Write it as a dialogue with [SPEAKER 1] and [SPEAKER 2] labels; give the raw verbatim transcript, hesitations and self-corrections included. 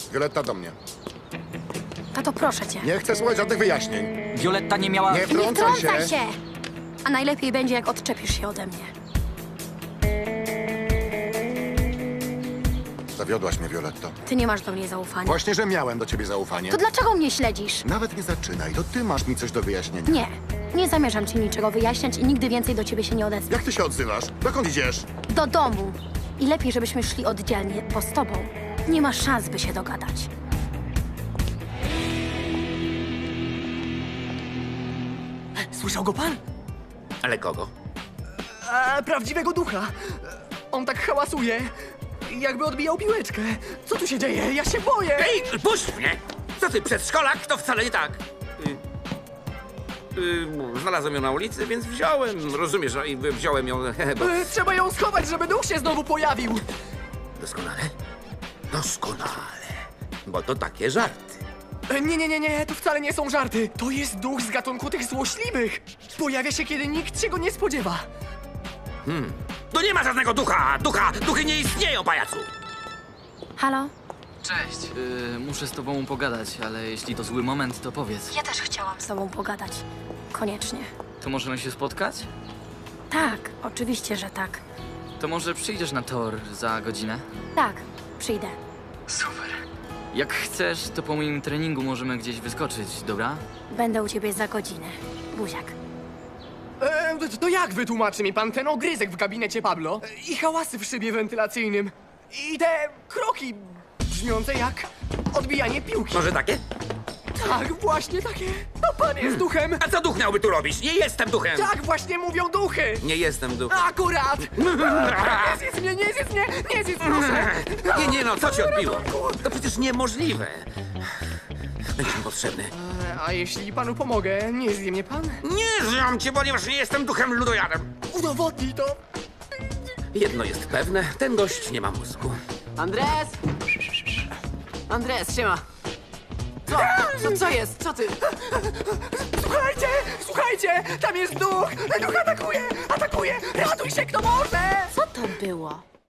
[SPEAKER 1] Violetta, do mnie.
[SPEAKER 2] Tato, proszę cię.
[SPEAKER 1] Nie chcę słuchać żadnych wyjaśnień.
[SPEAKER 3] Violetta nie miała...
[SPEAKER 1] Nie
[SPEAKER 2] Nie
[SPEAKER 1] wtrącaj
[SPEAKER 2] wtrącaj
[SPEAKER 1] się!
[SPEAKER 2] się! A najlepiej będzie, jak odczepisz się ode mnie.
[SPEAKER 1] Zawiodłaś mnie, Violetto.
[SPEAKER 2] Ty nie masz do mnie zaufania.
[SPEAKER 1] Właśnie, że miałem do ciebie zaufanie.
[SPEAKER 2] To dlaczego mnie śledzisz?
[SPEAKER 1] Nawet nie zaczynaj, to ty masz mi coś do wyjaśnienia.
[SPEAKER 2] Nie. Nie zamierzam ci niczego wyjaśniać i nigdy więcej do ciebie się nie odezwę.
[SPEAKER 1] Jak ty się odzywasz? Dokąd idziesz?
[SPEAKER 2] Do domu. I lepiej, żebyśmy szli oddzielnie, bo z tobą nie ma szans, by się dogadać.
[SPEAKER 4] Słyszał go pan?
[SPEAKER 5] Ale kogo?
[SPEAKER 4] A, prawdziwego ducha. On tak hałasuje, jakby odbijał piłeczkę. Co tu się dzieje? Ja się boję!
[SPEAKER 5] Ej, puść mnie! Co ty, przedszkolak? To wcale nie tak. Y, y, znalazłem ją na ulicy, więc wziąłem. Rozumiesz, no i wziąłem ją, bo...
[SPEAKER 4] E, Trzeba ją schować, żeby duch się znowu pojawił.
[SPEAKER 5] Doskonale? Doskonale. Bo to takie żarty.
[SPEAKER 4] E, Nie, nie, nie, nie, to wcale nie są żarty. To jest duch z gatunku tych złośliwych. Pojawia się, kiedy nikt się go nie spodziewa.
[SPEAKER 5] Tu nie ma żadnego ducha! Ducha! Duchy nie istnieją, pajacu!
[SPEAKER 2] Halo?
[SPEAKER 3] Cześć. Yy, muszę z tobą pogadać, ale jeśli to zły moment, to powiedz.
[SPEAKER 2] Ja też chciałam z tobą pogadać. Koniecznie.
[SPEAKER 3] To możemy się spotkać?
[SPEAKER 2] Tak, oczywiście, że tak.
[SPEAKER 3] To może przyjdziesz na tor za godzinę?
[SPEAKER 2] Tak, przyjdę.
[SPEAKER 3] Super. Jak chcesz, to po moim treningu możemy gdzieś wyskoczyć, dobra?
[SPEAKER 2] Będę u ciebie za godzinę. Buziak.
[SPEAKER 4] E, to- to jak wytłumaczy mi pan ten ogryzek w gabinecie Pablo? E, I hałasy w szybie wentylacyjnym? I te kroki brzmiące jak odbijanie piłki?
[SPEAKER 5] Może takie?
[SPEAKER 4] Tak, właśnie takie. A pan jest duchem.
[SPEAKER 5] A co duch miałby tu robić? Nie jestem duchem!
[SPEAKER 4] Tak właśnie mówią duchy.
[SPEAKER 5] Nie jestem duchem.
[SPEAKER 4] Akurat! Nie zjedz mnie, nie zjedz mnie, nie zjedz, proszę!
[SPEAKER 5] Nie, nie no, co ci odbiło? To przecież niemożliwe. Będzie mi potrzebny.
[SPEAKER 4] E, A jeśli panu pomogę, nie zje mnie pan?
[SPEAKER 5] Nie zjam cię, ponieważ nie jestem duchem ludojadem.
[SPEAKER 4] Udowodnij to!
[SPEAKER 5] Jedno jest pewne, ten gość nie ma mózgu.
[SPEAKER 6] Andres! Andres, siema! Co? Co, co jest? Co ty?
[SPEAKER 4] Słuchajcie, słuchajcie! Tam jest duch! Duch atakuje! Atakuje! Ratuj się, kto może!
[SPEAKER 6] Co to było?